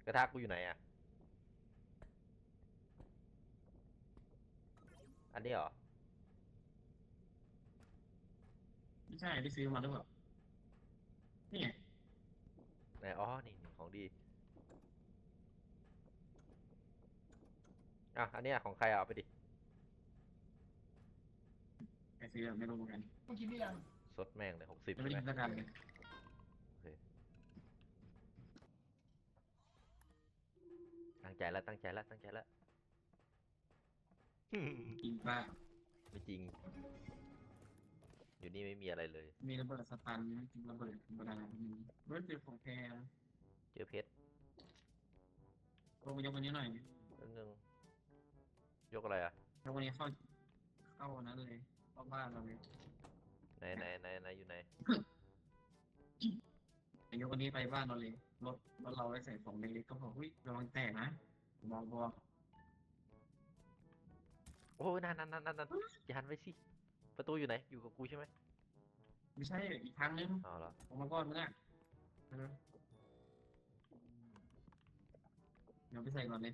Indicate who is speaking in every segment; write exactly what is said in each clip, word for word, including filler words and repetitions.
Speaker 1: ระทะกูอยู่ไหนอ่ะอันนี้เหรอ
Speaker 2: ไม่ใช่ที่ซื้อมาหรือเปล่านี่ไง
Speaker 1: ไหนอ๋อนี่นี่ของดีอ่ะอันเนี้ยของใครอ่ะเอาไปดิ
Speaker 2: ใครซื้อไม่รู้เหมือนกัน
Speaker 3: เมื่อกี้นี่ยัง
Speaker 1: สดแม่งเลยหกสิบ
Speaker 2: ยังไม่
Speaker 1: ใช่ไหม
Speaker 2: ได้กินสักอันเลย
Speaker 1: โอเคตั้งใจแล้วตั้งใจแล้วตั้งใจแล้ว
Speaker 2: กินปลา
Speaker 1: ไม่จริงอยู่นี่ไม่มีอะไรเลย
Speaker 2: มีระเบิดสตันกินระเบิดธรรมดามีเบิร์ดเป็นของแพง
Speaker 1: เจอเพชร
Speaker 2: ลงมายกวันนี้หน่อย
Speaker 1: นิดนึงยกอะไรอ่ะ
Speaker 2: ยกวันนี้เข้าเข้านั้นเลยเข้าบ้านเราเลย
Speaker 1: ไหนไหนไหนไหนอยู่ไหน
Speaker 2: ยกวันนี้ไปบ้านเราเลยรถรถเราไว้ใส่ของเล็กๆก็บอกเฮ้ยระวังแตกนะบอกบอก
Speaker 1: โอ้ยนั่นนั่นนั่นนั่นอย่าหันไปสิประตูอยู่ไหนอยู่กับกูใช่ไหม
Speaker 2: ไม่ใช่อีกทางนึง
Speaker 1: อ๋อเหรอ
Speaker 2: ออกมาก่อนมึงอ่ะเออเดี๋ยวไปใส่ก่อนเลย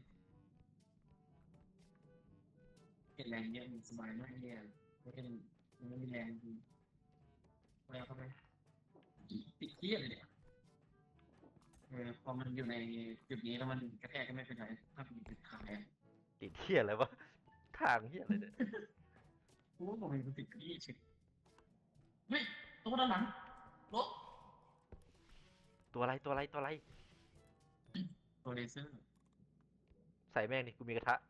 Speaker 2: เก็บแรงเยอะสบายมากเนี่ยไม่เป็นมันไม่มีแรงจริงไปเอาเข้าไปติดเทียเลยเนี่ยเออพอมันอยู่ในจุดนี้แล้วมันกระแทกก็ไม่เป็นไรถ้ามันมีจุดขายอ่ะ
Speaker 1: ติดเที่ยอะไรวะทางเที่ยอะไรเนี่ย
Speaker 2: กูก็บอกมันติดที่เฉยเฮ้ยตัวด้านหลังรถ
Speaker 1: ตัวอะไรตัวอะไรตัวอะไร
Speaker 2: ตัวเลเซอร์
Speaker 1: ใส่แม่งนี่กูมีกระทะ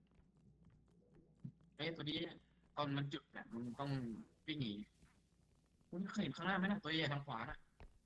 Speaker 2: ไอ้ตัวนี้ตอนมันจุดแบบมันต้องวิ่งหนีคุณเคยเห็นข้างหน้าไหมนะตัวใหญ่ทางขวาน่ะ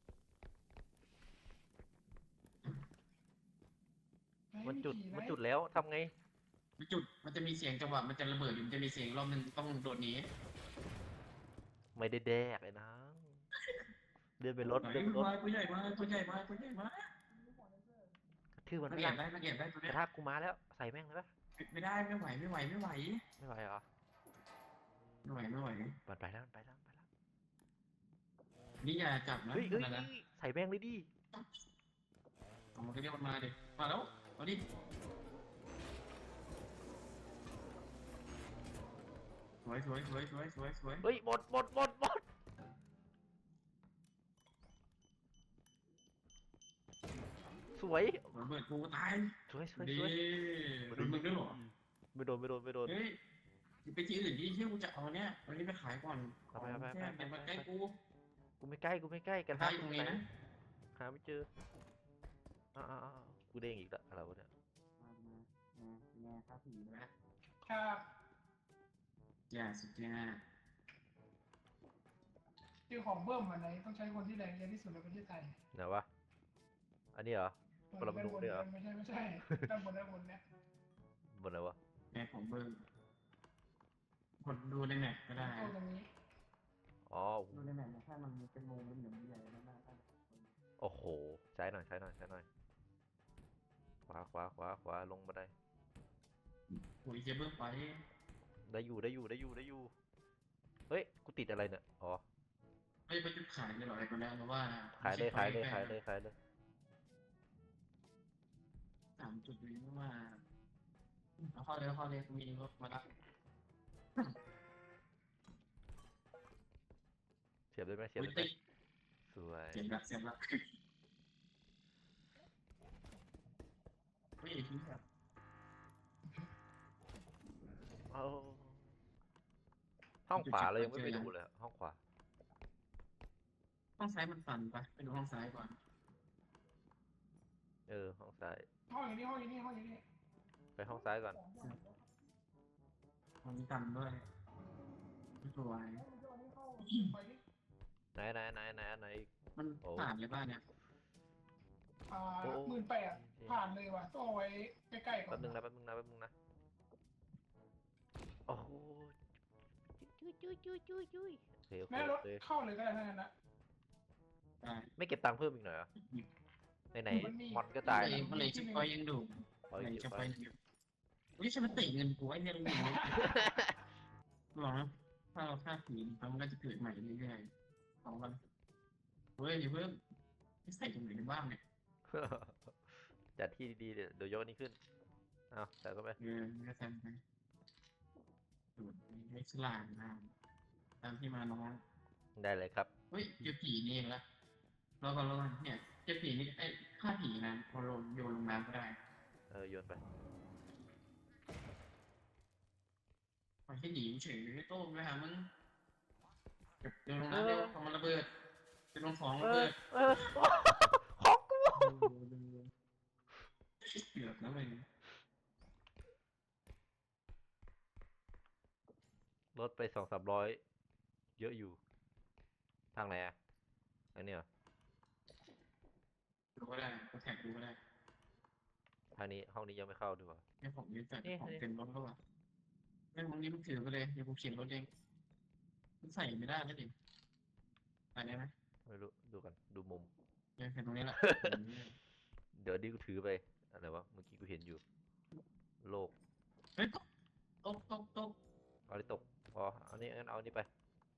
Speaker 1: มันจุด
Speaker 3: ไห
Speaker 1: มันจุดแล้วทำไง
Speaker 2: มันจุดมันจะมีเสียงจังหวะมันจะระเบิดอยู่มันจะมีเสียงรอบนึงต้องโดดหนี
Speaker 1: ไม่ได้แดกเลยนะเดินไปรถ
Speaker 2: ไหน
Speaker 1: เดินไปรถ
Speaker 2: มาตัวใหญ่มาตัวใหญ่มาตัวใหญ่มา
Speaker 1: ทื่อมัน
Speaker 2: มัน
Speaker 1: ไม่ยัง
Speaker 2: แอบได้มันแอบได้ตัว
Speaker 1: กระ
Speaker 2: เนี้ย
Speaker 1: ทะกูมาแล้วใส่แม่งเลยปะ
Speaker 2: ไม่ได้ไม่ไหวไม่ไหวไม่ไหว
Speaker 1: ไม่ไหวเหรอ
Speaker 2: ไม่ไหวไม่ไหว
Speaker 1: มันไปแล้วมันไปแล้วมันไปแล้ว
Speaker 2: นี่อย่าจับนะ
Speaker 1: เฮ้ยเฮ้ย
Speaker 2: นั่นนะ
Speaker 1: ใส่แม่งเลยดิ
Speaker 2: เอามันก็เรียกมันมาดิมาแล้วเอาดิสวยสวยสวยสวยสวยสวย
Speaker 1: เฮ้ยหมดหมดหมดหมดสวย
Speaker 2: ระเบิดกูตาย
Speaker 1: สวยสวย
Speaker 2: ดี
Speaker 1: สวย
Speaker 2: โดนมึงด้วยเหรอ
Speaker 1: ไม่โดนไม่โดนไม่โดน
Speaker 2: เฮ้ยไปที่อื่นดิเที่ยวกูจะเอาเนี้ยวันนี้ไปขายก่อนข
Speaker 1: เอา
Speaker 2: อง
Speaker 1: ไปเอาไป
Speaker 2: แค่อย่ามาใกล้กู
Speaker 1: กูไม่ใกล้กูไม่ใกล้กระ
Speaker 2: ใกล้
Speaker 1: ทะ
Speaker 2: ตรงนี้นะ
Speaker 1: หาไม่เจออ้าวอ้าวอ้าวกูเด้งอีกแล้วอะไรวะเนี่ย
Speaker 2: มามามาแง่ครับผีนะครับ อย่าสุดยอด
Speaker 3: คือของเบิ้มอันไหนต้องใช้คนที่แรงเยอะที่สุดในประเทศไทย
Speaker 1: ไหนวะอันนี้เหรอปรมาณูเนี่ยเหรอ
Speaker 3: ไม่ใช่ไม่ใช่ด้านบนด้านบนเนี่ย
Speaker 1: บนอะไรวะ
Speaker 2: แง่ของเบอร์กดดูในแมปก็ได้
Speaker 3: เข้าตรงนี้
Speaker 1: อ๋อ
Speaker 2: ดูในแมปนะถ้ามันเป็นวงเป็นเหลืองใหญ่แล้วน่าจะ
Speaker 1: โอ้โหใช้หน่อยใช้หน่อยใช้หน่อยขวาขวาขวาขวาลงมาได้
Speaker 2: โอ้ยเจ๊เบิ้มไป
Speaker 1: ได้อยู่ได้อยู่ได้อยู่ได้อยู่เฮ้ยกูติดอะไรเนี่ยอ๋อ
Speaker 2: ไม่ไปจุดขายเลยหรอไอ้คนแรกเพราะว่า
Speaker 1: ขายเลยขายเลยขายเลยขายเลย
Speaker 2: สามจุดนี้เพราะว่าเอาเข้าเลยเข้าเลยมีรถมารับ
Speaker 1: เสียบได้ไหมเสียบได้ไหมสวย
Speaker 2: เสียบละเสียบละไม่ทิ้งครับ
Speaker 1: เอาห้องขวาเรายังไม่ไปดูเลยห้องขวา
Speaker 2: ห้องซ้ายมันสั่นปะไปดูห้องซ้ายก่อน
Speaker 1: เออห้องซ้าย
Speaker 3: ห้องอย่างนี้ห้องอย่างนี้ห้องอย่างนี้
Speaker 1: ไปห้องซ้ายก่อน
Speaker 2: ห้องนี้ต่ำด้วยสวย
Speaker 1: ไหนไหนไหนไหนไหน
Speaker 2: มันผ่านเลยบ้านเนี่ย
Speaker 3: อ่าหมื่นแปดผ่านเลยว่ะต้องเอาไว้ใกล้ๆก่อน
Speaker 1: แป๊บนึงนะแป๊บนึงนะแป๊บนึงนะโอ้โหจุ้ยจุ้ยจุ้ยจุ้ยจุ้ยโอเคโอเค
Speaker 3: แม่รถเข้าเลยก็ได้ทั้งนั้นนะ
Speaker 1: ไม่เก็บตังค์เพิ่มอีกหน่อยเหรอไหนไหนมอนก็ตาย
Speaker 2: มันเลยชิปอยยังดูเลยชิปอยอยู่วิฉันมันติเงินกูไอ้เนี่ยลุงหรอถ้าเราฆ่าผีมันก็จะเกิดใหม่เรื่อยๆของมันเฮ้ยอย่าเพิ่มไม่ใส่ตรงไหนบ้างเนี่ย
Speaker 1: จัดที่ดีๆเดี๋ยวเดี๋ยวยกนี้ขึ้นเอาใส่เข้าไป
Speaker 2: เออก็ทำไปสูตรไม่ฉลาดนะตามที่มาน้อง
Speaker 1: ได้เลยครับ
Speaker 2: เฮ้ยเจอผีนี่เองละเราก็เราเนี่ยเจอผีนี่ไอ้ฆ่าผีนะพอลงโยนลงน้ำก็ได้
Speaker 1: เออโยนไป
Speaker 2: มันแค่หนีเฉยไม่โต้ไปหามึงเก็บโยนลงน้ำเร็วทำมันระเบิดจะลงของ
Speaker 1: เอ
Speaker 2: ระ
Speaker 1: อ
Speaker 2: เบิด
Speaker 1: เออของกู
Speaker 2: เกือบนะเลย
Speaker 1: ลดไปสองสามร้อยเยอะอยู่ทางไหนอ่ะอันนี้เหรอ
Speaker 2: ดูก็ได้ก็แท็กดูก็ได้
Speaker 1: ทางนี้ห้องนี้ยังไม่เข้าด้วยวะ
Speaker 2: เนี่ยผมยืนจัด
Speaker 1: นี่
Speaker 2: ของ
Speaker 1: นี่
Speaker 2: เต็มรถแล้วอ่ะไม่ตรงนี้มันถือไปเลยเดี๋ยวผมเขียนรถเองมันใส่ไม่ได้แล้วดิใส่ได้ไหม
Speaker 1: ไม่รู้ดูกันดูมุม
Speaker 2: เนี่ยเขียนตรงนี้แหละ
Speaker 1: เดี๋ยวนี้กูถือไปอะไรวะเมื่อกี้กูเห็นอยู่ โลก
Speaker 2: เฮ้ยตกตกตก
Speaker 1: เอาได้ตกพอเอานี้งั้นเอาอันนี้ไป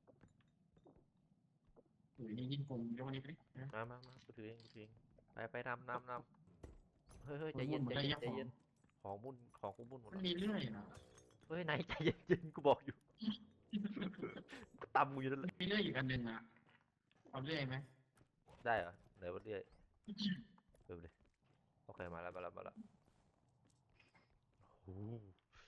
Speaker 2: หรือนี่ยิ่งกลมยกอันนี้ไปดิ
Speaker 1: มามามากูถือเองกูถือเองไปไปนำนำนำเฮ้ยเฮ้ยใจ
Speaker 2: มัน
Speaker 1: เย็น
Speaker 2: หมด
Speaker 1: ใจ
Speaker 2: ได้
Speaker 1: เย็
Speaker 2: ยั
Speaker 1: น
Speaker 2: ง
Speaker 1: ใจ
Speaker 2: ของ
Speaker 1: เย็นของมุ่นของกูมุ่นหมด
Speaker 2: มัน
Speaker 1: แล้ว
Speaker 2: มีเรื่อยนะ
Speaker 1: เฮ้ยไหนใจเย็นเย็นกูบอกอยู่ กูตำกูอยู่นั่นแหละ
Speaker 2: มีเรื่อยอีกอันหนึ่งอ่ะเอาเรื่อยไหม
Speaker 1: ได้เหรอไหนวะเรื่อยเริ่มเลยโอเคมาแล้วมาแล้วมาแล้วโอ้โห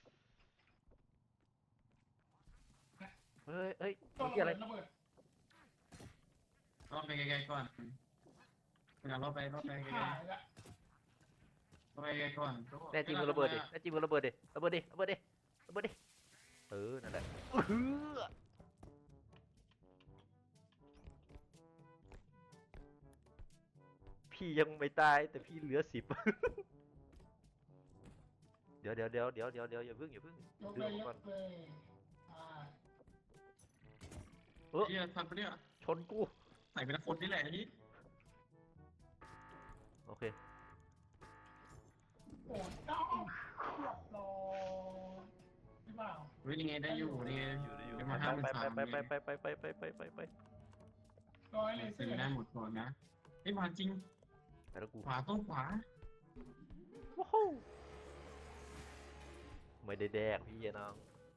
Speaker 1: เฮ้ยเฮ้ย
Speaker 3: ต้
Speaker 1: เมื่
Speaker 3: อ
Speaker 1: อง กี้
Speaker 3: ระ
Speaker 1: อะไร
Speaker 3: เบิดระเบิด
Speaker 2: รอบไปไกลๆก่อนเวลารอบไปรอบไปไกล
Speaker 3: หายละ
Speaker 2: ๆรอบไปไกลๆก่อน
Speaker 1: แน่จริงมึงระเบิดดิแน่จริงมึงระเบิดดิระเบิดดิระเบิดดิระเบิดดิเออนั่นแหละอื้อหือพี่ยังไม่ตายแต่พี่เหลือสิบ เดี๋ยวเดี๋ยวเดี๋ยวเดี๋ยวเดี๋ยวเดี๋ยวอย่าเพิ่งอย่าเพิ่ง
Speaker 3: ยก
Speaker 1: ดึ
Speaker 3: เล
Speaker 1: ง
Speaker 3: ย
Speaker 1: ออก
Speaker 3: ย
Speaker 1: ก่อน
Speaker 3: กเลยอ่า
Speaker 1: เออ
Speaker 2: เฮียทำไปเนี่ย
Speaker 1: ชนกู
Speaker 2: ใส่เป็นคนนี่แหละนี่
Speaker 1: โอเค
Speaker 3: โอ้เจ้าเรียบร้อยหรือเปล่า
Speaker 2: เฮ้ยยังไงได้อยู่นี่ไง
Speaker 1: อยู่ได้อยู่
Speaker 2: เดี๋ยว
Speaker 1: ไป
Speaker 2: มาห้าหมื่
Speaker 1: ไป
Speaker 2: นสาม
Speaker 1: ไปไปไปไปไปไปไปไปไป
Speaker 3: ร้อยเลยเสื
Speaker 2: ซื้อ
Speaker 3: อ
Speaker 2: ได้หมดก่อนนะไอ้มาจริง
Speaker 1: ไปแล้วกู
Speaker 2: ขวาต้องขวา
Speaker 1: ว้าวไม่ได้แดกพี่น้อง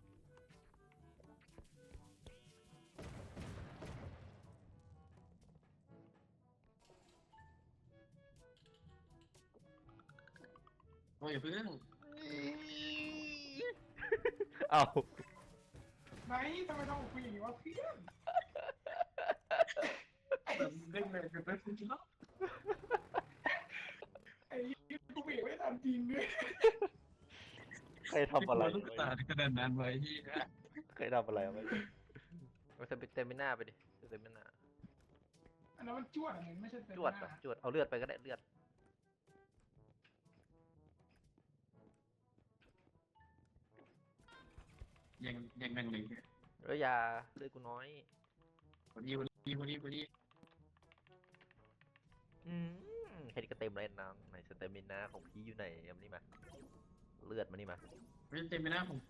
Speaker 2: โอ้ยอย่าเพิ่ง
Speaker 1: เอา
Speaker 3: ไหนทำไมต้องคุยอย่างนี้วะเพื่อน
Speaker 2: เล่นเลยกันไปคุณเนาะ
Speaker 3: ไอ้ยี่กูเบรกไม่ทันจริงด้วย
Speaker 1: ใครทำอะไร
Speaker 2: ลูกตาขนาดนั้นไว้ที่
Speaker 1: ใครทำอะไรไว้เอาเต็มเต็มหน้าไปดิเต็มหน้า
Speaker 3: อันนั้นมันจวดอะไรไม่ใช่เต็ม
Speaker 1: จวด
Speaker 3: ห
Speaker 1: ปะ
Speaker 3: น้า
Speaker 1: จวดเอาเลือดไปก็ได้เลือด
Speaker 2: ยังยังนั่งเลย
Speaker 1: เอ้ยยาเลือดกูน้อย
Speaker 2: พอดีพอดีพอดีพอดี
Speaker 1: อืมแค่นี้ก็เต็มเลยน้องไหนสเตมินาของพี่อยู่ไหนเอามานี่มาเลือดมานี่มา
Speaker 2: ไม่เต็มไปหน้าของกู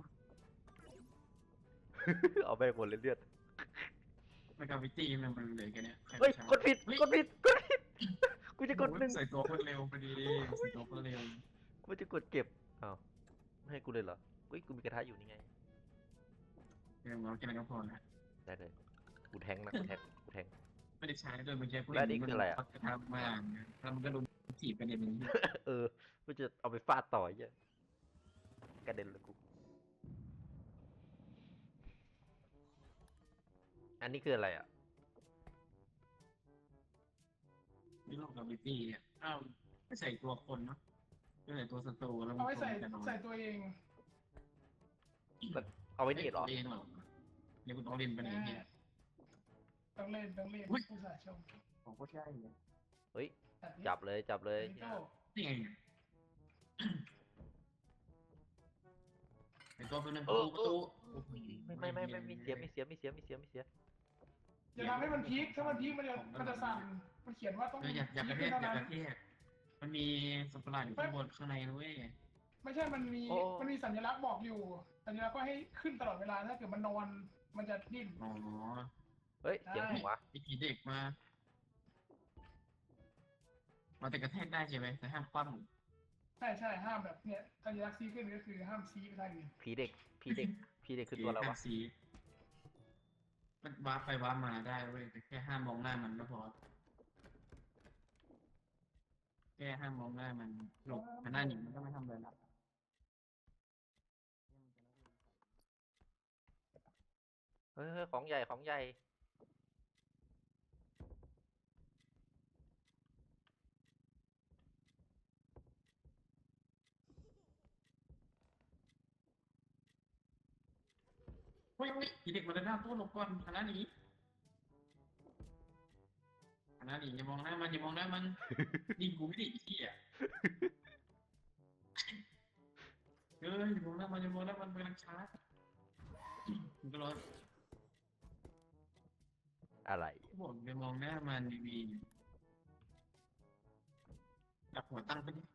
Speaker 1: เอาไปหมดเลยเลือด
Speaker 2: ไม่กาวิตี้มันมันเลยกันเนี่ย
Speaker 1: เฮ้ยกดผิดกดผิดกดผิดกูจะกดหนึ่ง
Speaker 2: ใส่ตัวคนเร็วพอดีใส่ตัวคนเร็ว
Speaker 1: กูจะกดเก็บอ้าวไม่ให้กูเลยเหรอเฮ้ยกูมีกระทะอยู่นี่ไง
Speaker 2: เดี๋ยวเราแค่นั้นก็พอนะ
Speaker 1: ได้เลยกูแทงนะกูแทงกูแทง
Speaker 2: ไม่ได้ใช้โดยเมื่อกี้
Speaker 1: แล้วนี่คืออะไรอะ
Speaker 2: ทำมาทำก็โดนจีบกันอย่างนี้
Speaker 1: เออกูจะเอาไปฟาดต่อไอ้เหี้ยกระเด็นเลยกู อันนี้คืออะไรอ่ะ
Speaker 2: นี่โลกกาวิตี้อ่ะอ้าวไม่ใส่ตัวคนเนาะไม่ใส่ตัวศัตรูแล้ว
Speaker 3: เอาไว้ใส่
Speaker 2: แต่น้อย
Speaker 3: ใส่ตัวเอง
Speaker 1: เอาไว้นี่เหรอ
Speaker 2: เล่นหรอเดี๋ยวคุณต้องเล่นไปไหนเนี่ย
Speaker 3: ต้องเล่นต้องเล่น
Speaker 2: อุ๊ย
Speaker 3: ผู้สาชม
Speaker 2: ผมก็ใช่เลย
Speaker 1: เฮ้ย
Speaker 3: แบบนี้
Speaker 1: จับเลยจับเลย
Speaker 3: โจ้
Speaker 2: นี่ไงไอตัวเป็นหนึ่ง
Speaker 1: เอ
Speaker 2: ประตู
Speaker 1: อ
Speaker 2: ประตู
Speaker 1: ไม่ไม่ไม่ไม่ไม่เสียไม่เสียไม่เสียไม่เสียไม่เสีย
Speaker 3: อย่าทำให้มันพีคถ้ามันพีคมันจะมันจะสั่นมันเขียนว่าต้อง
Speaker 2: เอออย่าอย่ากระเท
Speaker 3: พี
Speaker 2: ศ
Speaker 3: ค
Speaker 2: อย่า
Speaker 3: เท่าก นั้น
Speaker 2: ระเทศมันมีสัตว์ประหลาดอยู่ข้างบนข้างในนะเว้ย
Speaker 3: ไม่ใช่มันมีมันมีสัญลักษณ์บอกอยู่ สัญลักษณ์ว่าให้ขึ้นตลอดเวลาถ้าเกิดมันนอนมันจะดิ้น
Speaker 2: อ๋อ
Speaker 1: เฮ้ยเสียงหัว
Speaker 2: มีผีเด็กมามันแต่กระแทกได้ใช่ไหมแต่ห้ามคว่ำ
Speaker 3: ใช่ใช่ห้ามแบบเนี้ยสัญลักษณ์ชี้ขึ้นก็คือห้ามชี้ไปทางอื่น
Speaker 1: ผีเด็กผีเด็กผีเด็กคือตัวอะไร
Speaker 2: ห้าม
Speaker 1: วะ
Speaker 2: ซีมันว้าร์ปไปว้าร์ปมาได้เว้ยแต่แค่ห้ามมองหน้ามันก็พอแค่ห้ามมองหน้ามันหลบมันหน้าหนีมันก็ไม่ทำอะไรละ
Speaker 1: เฮ้ยเฮ้ยของใหญ่ของใหญ่
Speaker 2: เฮ้ยเฮ้ยผีเด็กมันเลยหน้าตู้หลบก่อนคณะหนีคณะหนีอย่ามองหน้ามันอย่ามองหน้ามันยิงกูไม่ได้อีกที่อ่ะเอออย่ามองหน้ามันอย่ามองหน้ามันมันกำลังชาร์จมันก็รอ
Speaker 1: อะไร
Speaker 2: บอกอย่ามองหน้ามันดีๆจับหัวตั้งไปดิ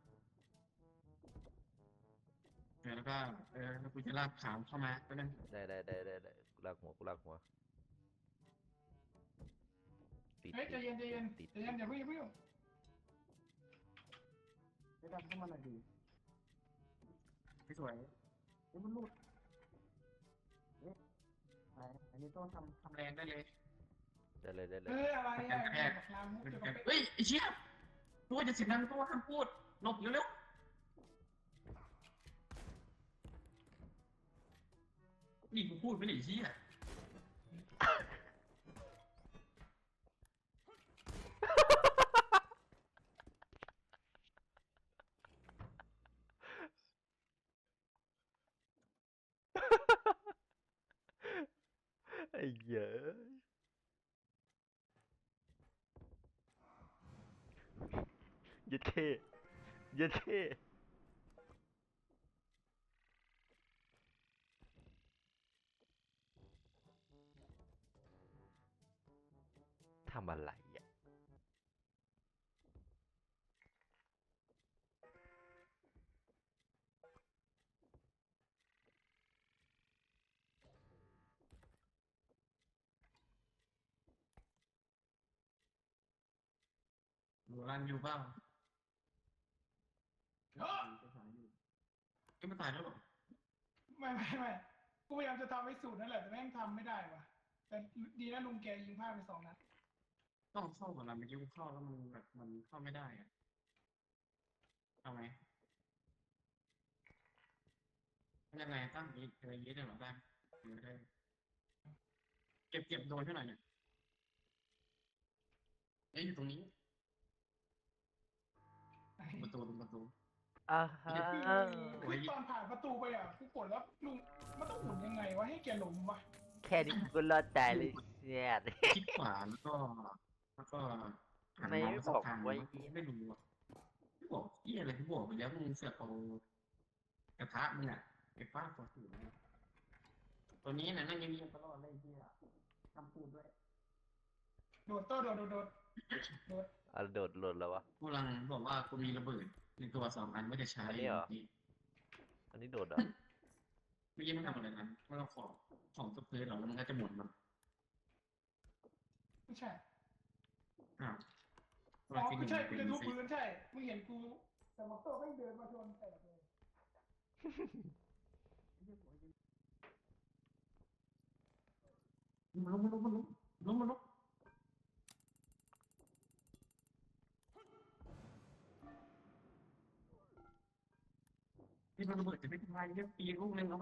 Speaker 2: เออแล้วก็เออแล้วกูจะลากขามเข้ามาก็นั่น
Speaker 1: ได้ได้ได้ได้ได้กูลากหัวกูลากหัวติด
Speaker 3: เฮ้ยใจเย็นใจเย็น
Speaker 1: ติด
Speaker 3: ใจเย็นอย่าเพิ่งอย่าเพิ่ง
Speaker 2: ไม่ดันเข้ามาหน่อยดีไม่สวยเฮ้ยมันรูดเอ๊ะอะไรอันนี้ต้องทำทำแรงได้เลย
Speaker 1: ได้เลยได้เลย
Speaker 3: เฮ้ยอะไร
Speaker 2: มัน
Speaker 3: อ่ะ
Speaker 2: กระแทก
Speaker 3: บอกลามุก
Speaker 2: มัน
Speaker 3: จะ
Speaker 2: กระ
Speaker 3: มา
Speaker 2: แทกเฮ้ยไอ้เชี่ยตัวจะเสียงดังตัวห้ามพูดหลบเร็วๆนี่กูพูดไม่ได้ไอ้เชี่ย
Speaker 1: ไอ้เหี้ยยัดเข้ยัดเข้ทำอะไรอ่ะ
Speaker 2: หนูรันอยู่เปล่า
Speaker 3: เฮ้ย
Speaker 2: ก็ไม่ตายแล้วหรอ
Speaker 3: ไม่ไม่ไม่กูพยายามจะทำให้สูตรนั่นแหละแต่แม่งทำไม่ได้ว่ะแต่ดีนะลุงแกยิงพลาดไปสองนัด
Speaker 2: ต้องเข้าก่อนละเมื่อกี้กูเข้าแล้วมันแบบมันเข้าไม่ได้อะเอาไหมยังไงตั้งนี้อะไรอย่างนี้ได้หรอได้หรือได้เก็บเก็บโดนเท่าไหร่เนี่ยเอ้ยอยู่ตรงนี้ประตูตรงประตู
Speaker 1: อ่าฮะ
Speaker 3: คือตอนผ่านประตูไปอ่ะกูกดแล้วลุงมันต้องหมุนยังไงวะให้แกหลงวะ
Speaker 1: แค่นี้กูก็รอดตายเลยเนี่ย
Speaker 2: คลิกขวาแล้วก็แล้วก็หัน
Speaker 1: ไม่
Speaker 2: เมาส์สั
Speaker 1: บอก
Speaker 2: ทาง
Speaker 1: ไว้
Speaker 2: ไม่รู้อ่ะไม่บอกเหี่อะไรที่บอกไปแล้วมึงเสือกเอากระทะมึงอ่ะไปฟาดตัวสูงตัวนี้นะนั่งเงียบๆตลอดเลยที่อ่ะทำพูดด้วย
Speaker 3: โดดโต้โดดโดดโดดโดด
Speaker 1: อ่ะโดดหล่นแล้ววะ
Speaker 2: กูกำลังบอกว่ากูมีระเบิดในตัวสองอันว่าจะใช้
Speaker 1: อันนี้เหรอ
Speaker 2: นี่
Speaker 1: อันนี้โดดเหรอ่ะ
Speaker 2: เมื่อกี้มันทำอะไรนะมันเอาของของตกพื้นเหรอแล้วมันก็จะหมุนมัน
Speaker 3: ไม่ใช่
Speaker 2: อ้าว
Speaker 3: อ๋อไม่ใช่กูจะทุบพื้นใช่มึงเห็นกูแต่มอเตอร์ไม่เดินมาชนแตกเลย
Speaker 2: มันลุกมันลุกมันลุกลุกมันลุกนี่มันระเบิดจะไม่ทำลายเยอะปีลูกนึงเอาไหม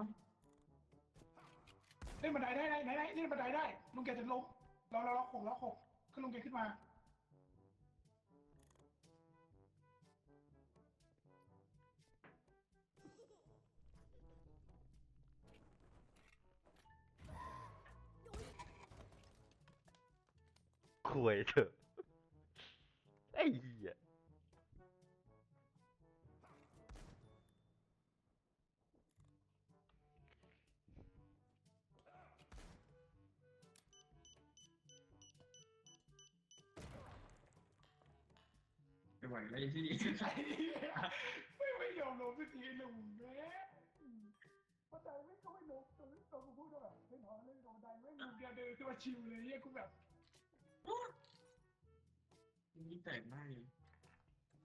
Speaker 3: เล่นบันไดได้ไหนไหนไหนเล่นบันไดได้ลุงแกจะลงเราเราเราหกเราหกขึ้นลุงแกขึ้นมา
Speaker 1: คุยเถอะไอ้เหี้ย
Speaker 2: ไม่ไหวแล้วที่นี่
Speaker 3: ไอ้เหี้ยไม่ไม่ยอมลงสักทีลุงแม่บันไดไม่ก็ไม่ลงตอนนี้ตอนกูพูดว่าแบบไม่ถอนเล่นบันไดไม่ลุงแกเดินขึ้นมาชิวเลยเนี่ยกูแบบ
Speaker 2: นี่แตกมากเลย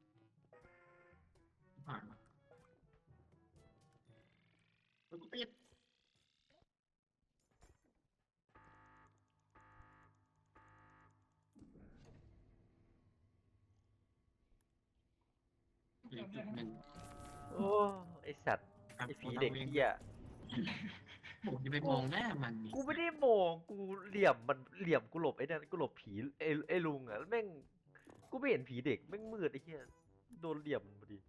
Speaker 2: ผ่านกูติดเหลือจุดหนึ่ง
Speaker 1: โอ้ไอสัตว์
Speaker 2: ครับ
Speaker 1: ไอผีเด็กเหี้ย
Speaker 2: ผมจะไปมองหน้ามันนี่
Speaker 1: กูไม่ได้มองกูเหลี่ยมมันเหลี่ยมกูหลบไอ้นั่นกูหลบผีไอ้ไอ้ลุงอ่ะแล้วแม่งกูไม่เห็นผีเด็กแม่งมืดไอ้เหี้ยโดนเหลี่ยมพอดี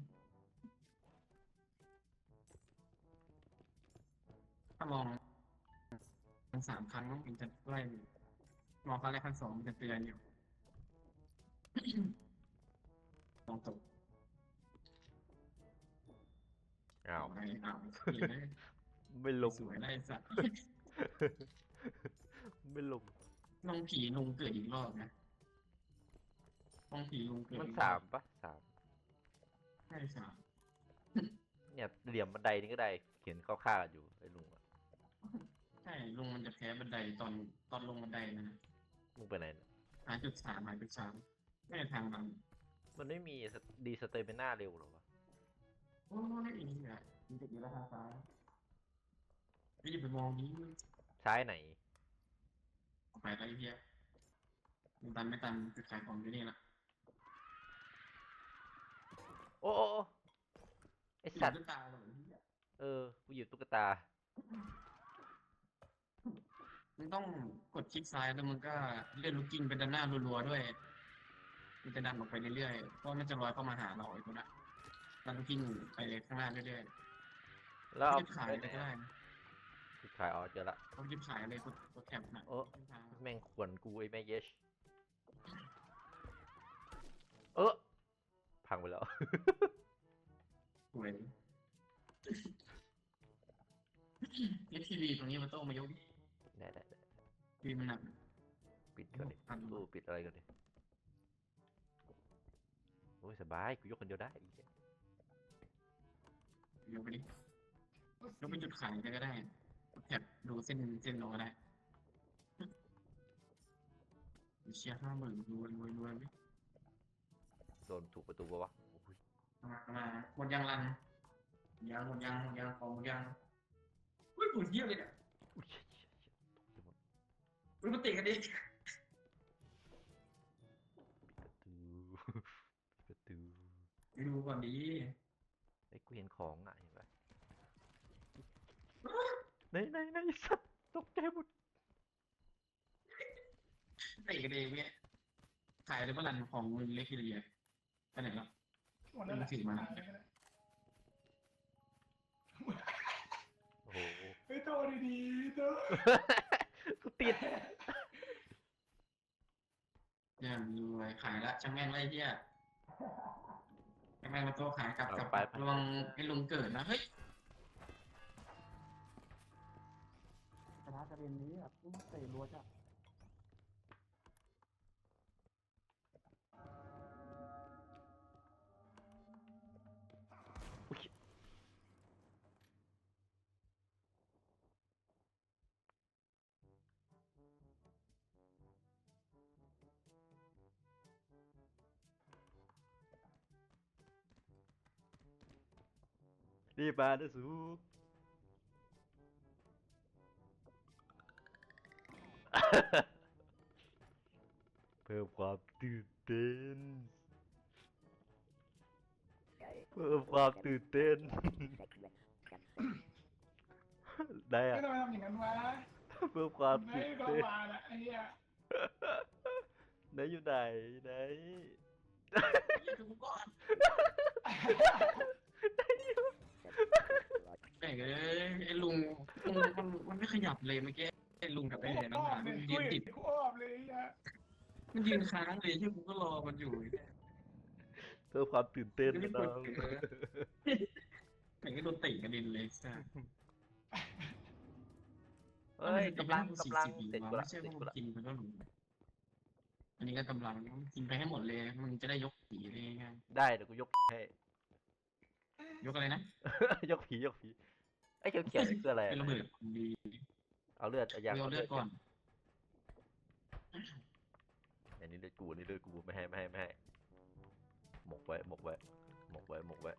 Speaker 2: ถ้ามองทั้งสามครั้งมันจะไล่มองครั้งแรกครั้งสองมันจะเตือนอยู่ มองตก
Speaker 1: อ้าว
Speaker 2: ไปอ้าวเห็นไหม
Speaker 1: ไม่ลง
Speaker 2: สวยไล่สัตว์
Speaker 1: ไม่ลง
Speaker 2: น้องผีลุงเกิดอีกรอบนะน้องผีลุงเกิด
Speaker 1: มัน
Speaker 2: อีกร
Speaker 1: สา
Speaker 2: อ
Speaker 1: ม
Speaker 2: บ
Speaker 1: ปะสาม
Speaker 2: ใช่สาม
Speaker 1: เนี่ยเหลี่ยมบันไดนี่ก็ได้เขียนเข้าข้างกันอยู่ไอ้ลุงอ่ะ
Speaker 2: ใช่ลุงมันจะแพ้บันไดตอนตอนลงบันไดนะ
Speaker 1: มึงไปไหนเนี่ย
Speaker 2: หาจุดสามหาจุดสามไม่ได้ทางมัน
Speaker 1: มันไม่มีดีสเตมิน่าเร็วหรอวะ
Speaker 2: โอ้ยอีนี่แหละมันจะอยู่ทางซ้ายไม่ได้ไปมองนี้
Speaker 1: ซ้ายไหน
Speaker 2: ออกไปไรเพี้ยมันตันไม่ตันคือขายของอยู่นี่แหละ
Speaker 1: โอ้โอ้โอ้ไอสัตว์
Speaker 2: ตุ๊กตาเลยเพี้ย
Speaker 1: เออกูหยิบตุ๊กตา
Speaker 2: มันต้องกดคลิกซ้ายแล้วมันก็เลื่อนลูกกิ้งไปด้านหน้ารัวๆด้วย มันจะดันออกไปเรื่อยๆเพราะมันจะลอยเข้ามาหาเราไอ้ตัวนั้นดันลูกกิ้งไปข้างหน้าเรื่อยๆ
Speaker 1: แล้วเอา
Speaker 2: รีบขายเลยก็ได้นะ
Speaker 1: คือขายอ๋อเจอละ
Speaker 2: เขารีบขายเลยกดกดแคปนะ
Speaker 1: โอ้ แม่งขวนกูไอ้แม่เยชเออพังไปแล้ว
Speaker 2: สวยเอฟทีวีตรงนี้มันต้องมายก
Speaker 1: ได้ได้ได้
Speaker 2: ทีมันหนัก
Speaker 1: ปิดก่อนดิ
Speaker 2: พัน
Speaker 1: กูปิดอะไรก่อนดิโอ้ยสบายกูยกคนเดียวได้ไอ้เหี้ย
Speaker 2: ยกไปดิยกเป็นจุดขายก็ได้กดแคปดูเส้นเส้นเราก็ได้เชียร์ห้าหมื่นรวยรวยรวยไหม
Speaker 1: โดนถูกประตูปะวะโอ้ย
Speaker 2: มามาหมดยังรันยังหมดยังหมดยังของหมดยังอุ้ยปุ๋ยเยี่ยเลยเนี่ย
Speaker 1: อุ้ยเชี่ยเชี่ยเชี่ยตกใจหมด
Speaker 2: อุ้ยมาติดกันดิ
Speaker 1: ปิดประตูปิดประตู
Speaker 2: ไปดูก่อนดี
Speaker 1: ไอ้ยกูเห็นของอ่ะเห็นปะไหนไหนไหนสัตว์ตกใจหมด
Speaker 2: ติดกันเองเนี่ยขายเลยว่ารันของมึงเล็กทีเดียวไปไหนแล้ว
Speaker 3: หมดแล้วแหละ
Speaker 2: ถือมา
Speaker 1: โอ้โห
Speaker 3: เฮ้ยโตดีๆโต
Speaker 1: กูติด
Speaker 2: ยังรวยขายละช่างแม่งไรเที่ยช่างแม่งมาโตขายกลับกลับระวังไอ้ลุงเกิดนะเฮ้ยกระทะกระเด็นนี้แบบเตะรัวจ้ะ
Speaker 1: อุ๊ยรีบมานะสู เพิ่มความตื่นเต้น เพิ่มความตื่นเต้น ได้
Speaker 3: ไม่
Speaker 1: อะ
Speaker 3: ทำไมทำอย่างนั้นวะ
Speaker 1: เพิ่มความ
Speaker 3: ไม่
Speaker 1: ตื่น
Speaker 3: ก็
Speaker 1: เต้น
Speaker 3: มาละไอ้เหี้ย
Speaker 1: ไหนอยู่ไหนไหน
Speaker 2: ดูก่อนไอ้เอ้ยไอ้ลุงลุงมันมันไม่ขยับเลยเมื่อกี้ไอ้ลุงกับไอ้เหรียญน้ำห
Speaker 3: อ้อ
Speaker 2: นั
Speaker 3: ม
Speaker 2: ก
Speaker 3: เลย
Speaker 2: มัน
Speaker 3: กู
Speaker 2: ยืน
Speaker 3: เห็
Speaker 2: ติ
Speaker 3: น
Speaker 2: ด
Speaker 3: กูอ้อมเลยไอ้เหี้ย
Speaker 2: มันยืนค้างเลยที่กูก็รอมันอยู่เนี่ย
Speaker 1: เพิ่มความตื่นเต้น
Speaker 2: ไม่
Speaker 1: นะ
Speaker 2: ได้
Speaker 1: น้
Speaker 2: ก
Speaker 1: อ
Speaker 2: ด
Speaker 1: ง
Speaker 2: เออ แข่งก็โดนเตะกระเด็นเลยจ้ะ
Speaker 1: เฮ้ยกำลังกำลัง
Speaker 2: สี่
Speaker 1: เสร็จ
Speaker 2: สิบ
Speaker 1: กูละ
Speaker 2: ไม่ใช่
Speaker 1: เสร็จ
Speaker 2: ว่า
Speaker 1: กู
Speaker 2: มัน
Speaker 1: ละ
Speaker 2: กินมันก็หลุดอันนี้ก็กำลังกินไปให้หมดเลยมึงจะได้ยกผีได้ง่าย
Speaker 1: ได้เดี๋ยวกูยกให้
Speaker 2: ยกอะไรนะ
Speaker 1: ยกผียกผีไอ้เขียวเขียวนี่คืออะไร
Speaker 2: เป็น
Speaker 1: อะ
Speaker 2: ระเบิดดี
Speaker 1: เอาเลือดเอายาง
Speaker 2: เอาเลือดก่อน
Speaker 1: อันนี้เลือดกูอันนี้เลือดกูไม่ให้ไม่ให้ไม่ให้หมกไว้หมกไว้หมกไว้หมกไว้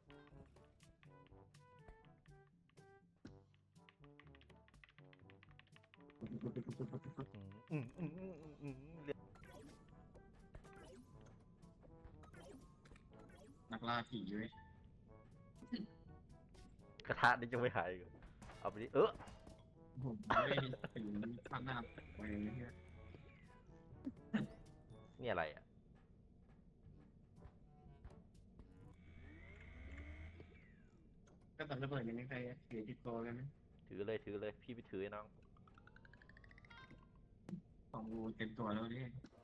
Speaker 1: อืมอืมอืมอืมอืมอืมเรียบ
Speaker 2: นักล่าผีเว้ย
Speaker 1: กระทะนี่ยังไม่หายอีกเหรอเอาไปดิเออ
Speaker 2: ผมไม่ถึงข้างหน้าไปเลยเนี่ย
Speaker 1: นี่อะไรอ่ะ
Speaker 2: ก็ตอนระเบิดยังไม่ใครเสียติดตัวกันไหม
Speaker 1: ถือเลยถือเลยพี่ไปถือให้น้อง
Speaker 2: สองรูเต็มตัวแล้วเนี่ย